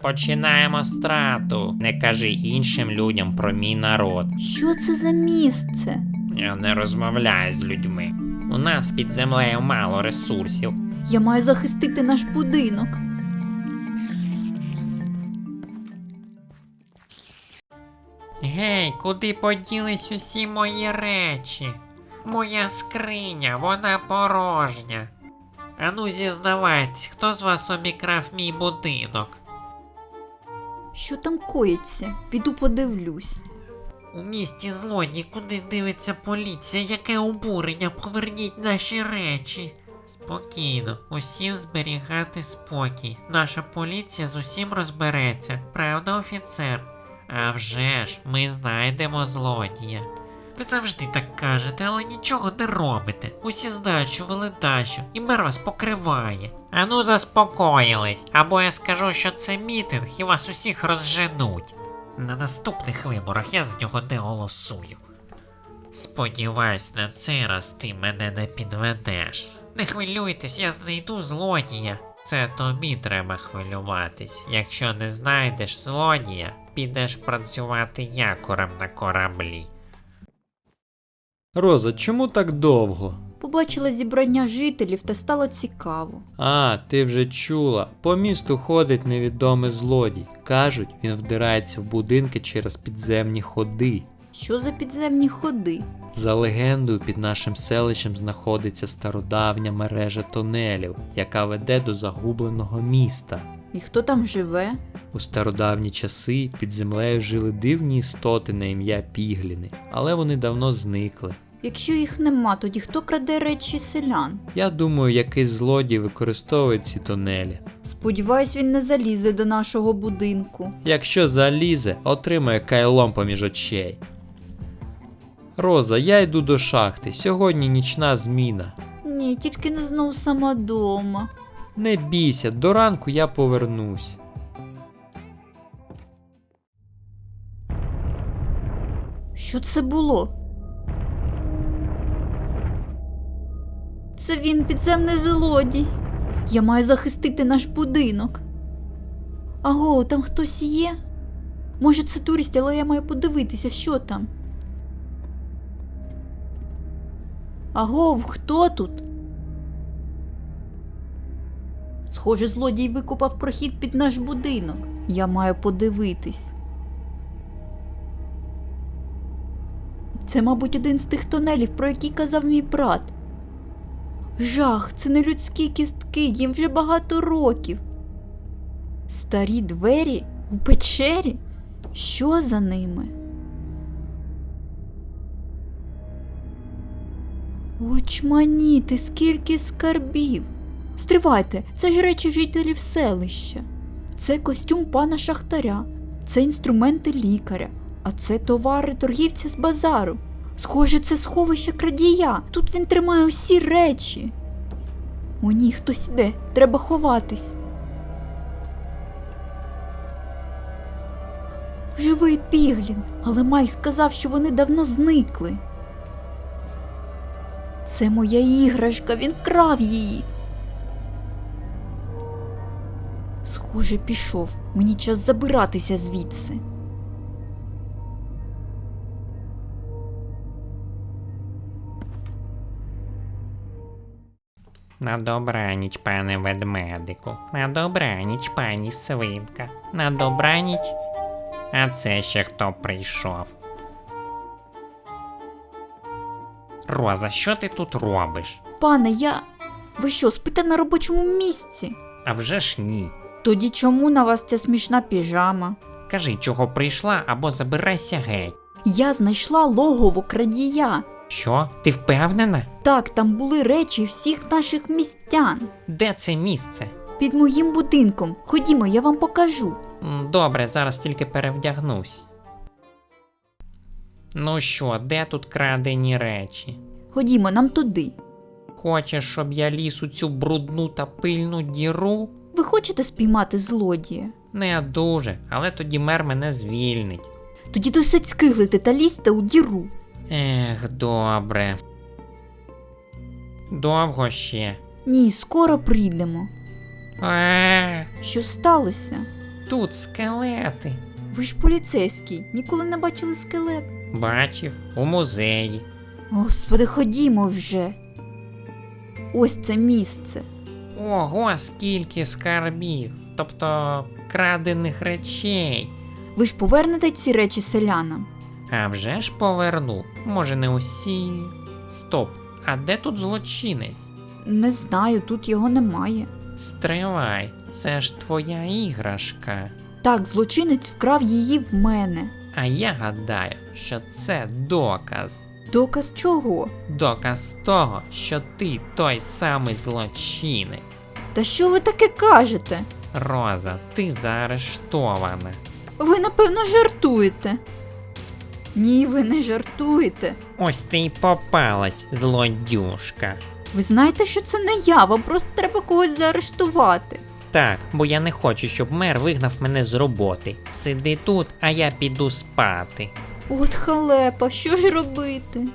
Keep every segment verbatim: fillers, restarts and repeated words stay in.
Розпочинаємо страту. Не кажи іншим людям про мій народ. Що це за місце? Я не розмовляю з людьми. У нас під землею мало ресурсів. Я маю захистити наш будинок. Гей, куди поділись усі мої речі? Моя скриня, вона порожня. Ану зізнавайтесь, хто з вас обікрав мій будинок? Що там коїться? Піду подивлюсь. У місті злодій, куди дивиться поліція, яке обурення, поверніть наші речі. Спокійно, усім зберігати спокій. Наша поліція з усім розбереться, правда, офіцер? А вже ж, ми знайдемо злодія. Ви завжди так кажете, але нічого не робите. Усі знають, що ви ледащо, і мер вас покриває. Ану заспокоїлись, або я скажу, що це мітинг і вас усіх розженуть. На наступних виборах я з нього не голосую. Сподіваюсь, на цей раз ти мене не підведеш. Не хвилюйтесь, я знайду злодія. Це тобі треба хвилюватись. Якщо не знайдеш злодія, підеш працювати якорем на кораблі. Роза, чому так довго? Побачила зібрання жителів та стало цікаво. А, ти вже чула. По місту ходить невідомий злодій. Кажуть, він вдирається в будинки через підземні ходи. Що за підземні ходи? За легендою, під нашим селищем знаходиться стародавня мережа тунелів, яка веде до загубленого міста. І хто там живе? У стародавні часи під землею жили дивні істоти на ім'я Пігліни, але вони давно зникли. Якщо їх нема, тоді хто краде речі селян? Я думаю, якийсь злодій використовує ці тунелі. Сподіваюсь, він не залізе до нашого будинку. Якщо залізе, отримає кайлом поміж очей. Роза, я йду до шахти, сьогодні нічна зміна. Ні, тільки не знов сама дома. Не бійся, до ранку я повернусь. Що це було? Це він, підземний злодій. Я маю захистити наш будинок. Аго, там хтось є? Може це турист, але я маю подивитися, що там. Аго, хто тут? Схоже, злодій викопав прохід під наш будинок. Я маю подивитись. Це, мабуть, один з тих тунелів, про який казав мій брат. Жах, це не людські кістки, їм вже багато років. Старі двері у печері? Що за ними? Очманіти, скільки скарбів. Стривайте, це ж речі жителів селища. Це костюм пана шахтаря, це інструменти лікаря, а це товари торгівця з базару. Схоже, це сховище крадія. Тут він тримає усі речі. О ні, хтось іде, треба ховатись. Живий Піглін, але Майк сказав, що вони давно зникли. Це моя іграшка, він вкрав її. Схоже, пішов. Мені час забиратися звідси. На добраніч, пане ведмедику. На добраніч, пані свинка. На добраніч. А це ще хто прийшов? Роза, що ти тут робиш? Пане, я... Ви що, спите на робочому місці? А вже ж ні. Тоді чому на вас ця смішна піжама? Кажи, чого прийшла, або забирайся геть. Я знайшла логово крадія. Що? Ти впевнена? Так, там були речі всіх наших містян. Де це місце? Під моїм будинком. Ходімо, я вам покажу. М, Добре, зараз тільки перевдягнусь. Ну що, де тут крадені речі? Ходімо, нам туди. Хочеш, щоб я ліз у цю брудну та пильну діру? Ви хочете спіймати злодія? Не дуже, але тоді мер мене звільнить. Тоді досить скиглити та лізьте у діру. Ех, добре. Довго ще? Ні, скоро прийдемо. Е, Що сталося? тут скелети. Ви ж поліцейський, ніколи не бачили скелет. Бачив у музеї. Господи, ходімо вже. Ось це місце. Ого, скільки скарбів, тобто крадених речей. Ви ж повернете ці речі селянам? А вже ж поверну. Може, не усі. Стоп, а де тут злочинець? Не знаю, тут його немає. Стривай, це ж твоя іграшка. Так, злочинець вкрав її в мене. А я гадаю, що це доказ. Доказ чого? Доказ того, що ти той самий злочинець. Та що ви таке кажете? Роза, ти заарештована. Ви, напевно, жартуєте. Ні, ви не жартуєте. Ось ти й попалась, злодюшка. Ви знаєте, що це не я, вам просто треба когось заарештувати. Так, бо я не хочу, щоб мер вигнав мене з роботи. Сиди тут, а я піду спати. От халепа, що ж робити?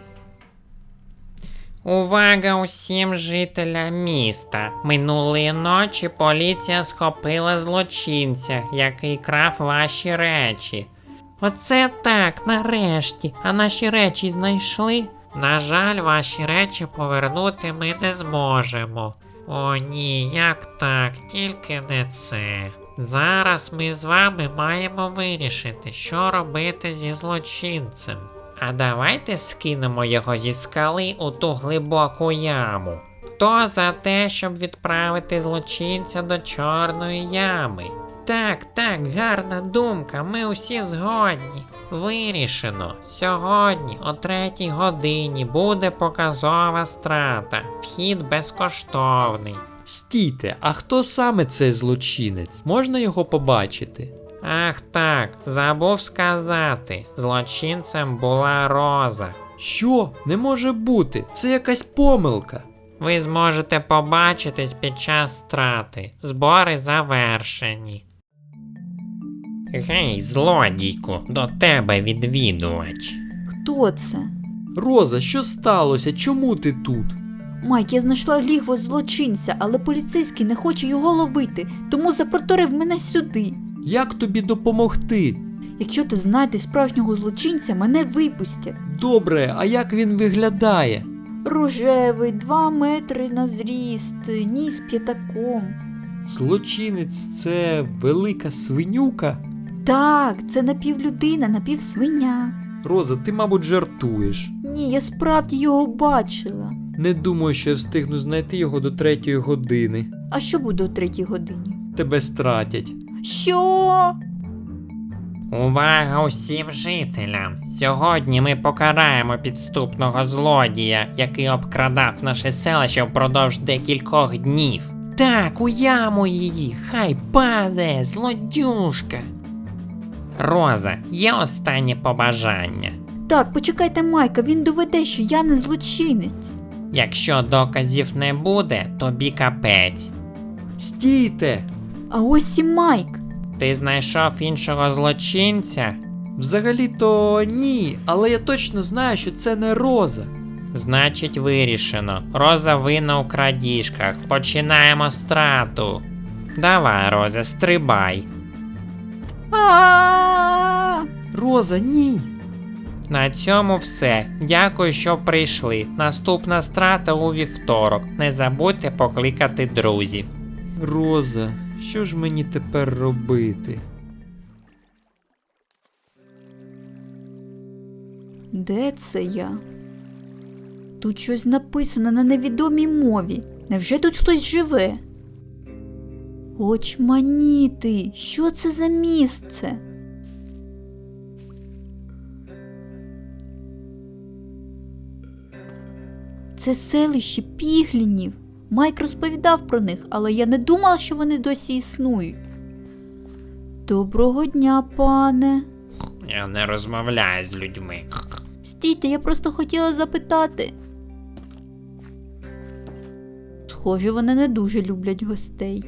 Увага усім жителям міста. Минулої ночі поліція схопила злочинця, який крав ваші речі. Оце так, нарешті. А наші речі знайшли? На жаль, ваші речі повернути ми не зможемо. О ні, як так, тільки не це. Зараз ми з вами маємо вирішити, що робити зі злочинцем. А давайте скинемо його зі скали у ту глибоку яму. Хто за те, щоб відправити злочинця до чорної ями? Так, так, гарна думка, ми усі згодні. Вирішено. Сьогодні о третій годині буде показова страта. Вхід безкоштовний. Стійте, а хто саме цей злочинець? Можна його побачити? Ах так, забув сказати. Злочинцем була Роза. Що? Не може бути, це якась помилка. Ви зможете побачитись під час страти. Збори завершені. Гей, злодійку, до тебе відвідувач. Хто це? Роза, що сталося? Чому ти тут? Майк, я знайшла лігво злочинця, але поліцейський не хоче його ловити, тому запроторив мене сюди. Як тобі допомогти? Якщо ти знайдеш справжнього злочинця, мене випустять. Добре, а як він виглядає? Рожевий, два метри на зріст, ніс п'ятаком. Злочинець це велика свинюка? Так, це напівлюдина, напівсвиня. Роза, ти, мабуть, жартуєш. Ні, я справді його бачила. Не думаю, що я встигну знайти його до третьої години. А що буде о третій годині? Тебе стратять. Що? Увага усім жителям! Сьогодні ми покараємо підступного злодія, який обкрадав наше селище впродовж декількох днів. Так, у яму її, хай паде, злодюшка. Роза, є останнє побажання. Так, почекайте Майка, він доведе, що я не злочинець. Якщо доказів не буде, тобі капець. Стійте! А ось і Майк. Ти знайшов іншого злочинця? Взагалі-то ні, але я точно знаю, що це не Роза. Значить вирішено. Роза винна у крадіжках. Починаємо страту. Давай, Роза, стрибай. А-а-а! Роза, ні! На цьому все. Дякую, що прийшли. Наступна страта у вівторок. Не забудьте покликати друзів. Роза, що ж мені тепер робити? Де це я? Тут щось написано на невідомій мові. Невже тут хтось живе? Очманіти, що це за місце? Це селище Піглінів. Майк розповідав про них, але я не думала, що вони досі існують. Доброго дня, пане. Я не розмовляю з людьми. Стійте, я просто хотіла запитати. Схоже, вони не дуже люблять гостей.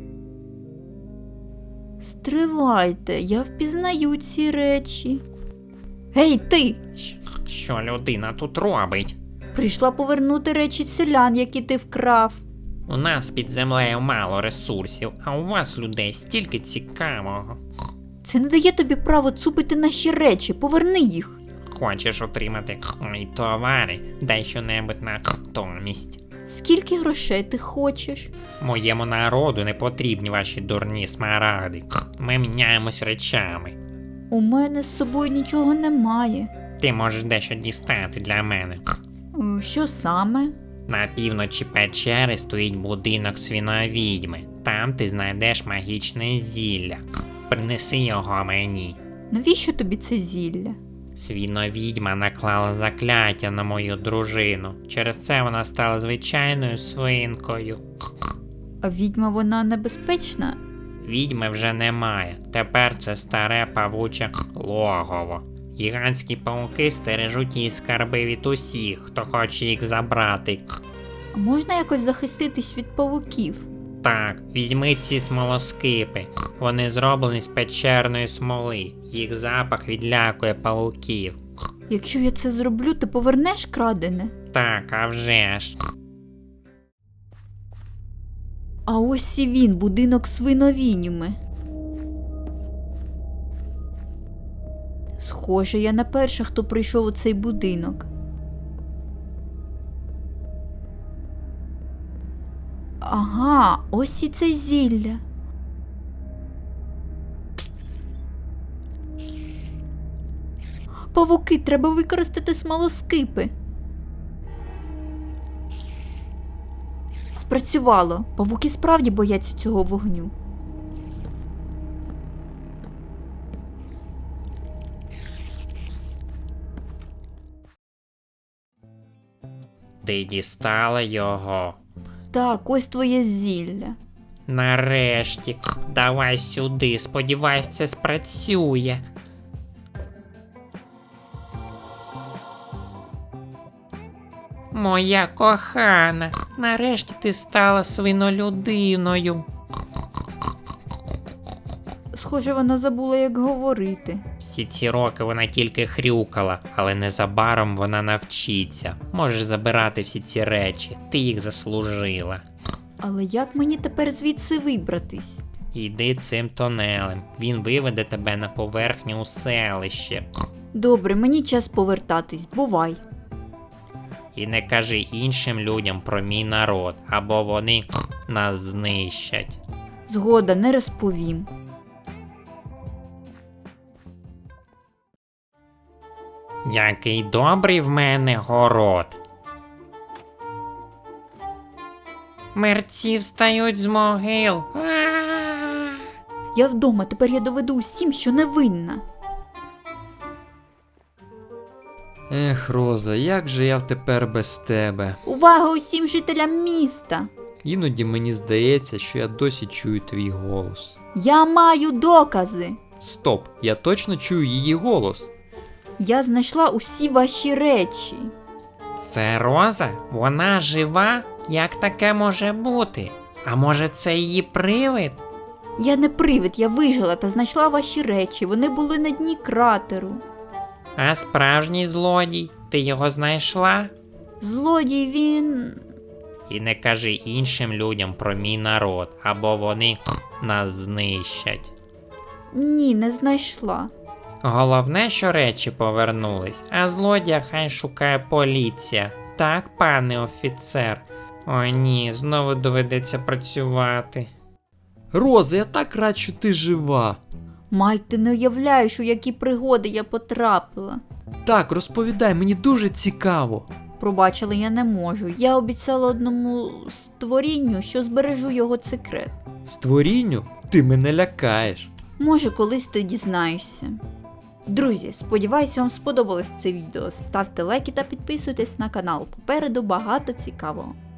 Стривайте, я впізнаю ці речі. Гей, ти! Що людина тут робить? Прийшла повернути речі селян, які ти вкрав. У нас під землею мало ресурсів, а у вас, людей, стільки цікавого. Це не дає тобі право цупити наші речі, поверни їх. Хочеш отримати мої товари? Дай щонебудь на натомість. Скільки грошей ти хочеш? Моєму народу не потрібні ваші дурні смарагди. Ми міняємось речами. У мене з собою нічого немає. Ти можеш дещо дістати для мене. Е, Що саме? На півночі печери стоїть будинок свіновідьми. Там ти знайдеш магічне зілля. Принеси його мені. Навіщо тобі це зілля? Свіновідьма наклала закляття на мою дружину. Через це вона стала звичайною свинкою. А відьма вона небезпечна? Відьми вже немає. Тепер це старе павуче логово. Гігантські пауки стережуть її скарби від усіх, хто хоче їх забрати. А можна якось захиститись від павуків? Так, візьми ці смолоскипи. Вони зроблені з печерної смоли. Їх запах відлякує павуків. Якщо я це зроблю, ти повернеш крадене? Так, а вже ж. А ось і він, будинок свиновідьми. Схоже, я не перша, хто прийшов у цей будинок. Ага, ось і це зілля. Павуки, треба використати смолоскипи. Спрацювало. Павуки справді бояться цього вогню. Ти дістала його. Так, ось твоє зілля. Нарешті. Давай сюди. Сподіваюсь, це спрацює. Моя кохана, нарешті ти стала свинолюдиною. Схоже, вона забула, як говорити. Всі ці роки вона тільки хрюкала, але незабаром вона навчиться. Можеш забирати всі ці речі, ти їх заслужила. Але як мені тепер звідси вибратись? Йди цим тунелем, він виведе тебе на поверхню у селище. Добре, мені час повертатись, бувай. І не кажи іншим людям про мій народ, або вони нас знищать. Згода, не розповім. Який добрий в мене город. Мерці встають з могил. А-а-а! Я вдома, тепер я доведу усім, що невинна. Ех, Роза, як же я тепер без тебе? Увага усім жителям міста! Іноді мені здається, що я досі чую твій голос. Я маю докази! Стоп, я точно чую її голос. Я знайшла усі ваші речі. Це Роза? Вона жива? Як таке може бути? А може це її привид? Я не привид, я вижила та знайшла ваші речі. Вони були на дні кратеру. А справжній злодій? Ти його знайшла? Злодій він... І не кажи іншим людям про мій народ, або вони нас знищать. Ні, не знайшла. Головне, що речі повернулись, а злодія хай шукає поліція. Так, пане офіцер? О ні, знову доведеться працювати. Роза, я так рад, що ти жива. Майк, ти не уявляєш, у які пригоди я потрапила. Так, розповідай, мені дуже цікаво. Пробачила, я не можу. Я обіцяла одному створінню, що збережу його секрет. Створінню? Ти мене лякаєш. Може, колись ти дізнаєшся. Друзі, сподіваюся, вам сподобалось це відео. Ставте лайки та підписуйтесь на канал. Попереду багато цікавого.